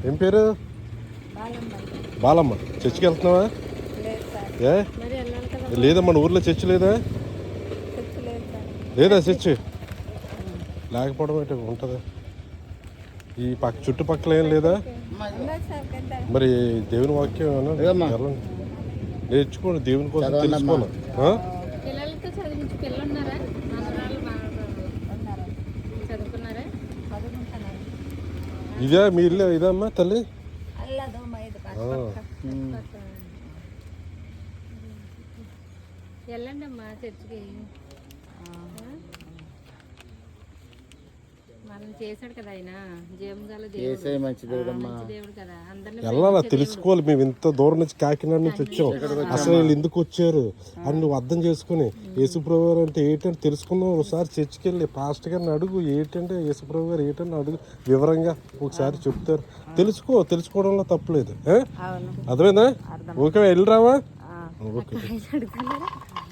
ఏం పేరు? బాలమ్మ. చర్చికి వెళ్తున్నావా? ఏ లేదమ్మా, మన ఊర్లో చర్చి లేదా? లేదా చర్చి లేకపోవడం అంటే ఉంటుంది. ఈ చుట్టుపక్కల ఏం లేదా? మరి దేవుని వాక్యం నేర్చుకోండి, దేవుని కోసం తెలుసుకోను. ఇదే మీ ఇల్లు? ఇదమ్మా తల్లి? వెళ్ళండి అమ్మా చర్చికి. మనం చేశాడు కదా ఆయన, దేవుడు కదా, వెళ్ళాలా తెలుసుకోవాలి. మేము ఇంత దూరం నుంచి కాకినాడ నుంచి వచ్చాం, అసలు వీళ్ళు ఎందుకు వచ్చారు అని నువ్వు అర్థం చేసుకుని యేసుప్రభు గారు అంటే ఏంటంటే తెలుసుకుందాం. ఒకసారి చర్చికి వెళ్ళి పాస్టర్ గారిని అడుగు, ఏంటంటే యేసుప్రభు గారు ఏంటంటే అడుగు, వివరంగా ఒకసారి చెప్తారు. తెలుసుకోవడంలో తప్పులేదు. అర్థమైందా? ఓకే, వెళ్ళిరావా? ఓకే.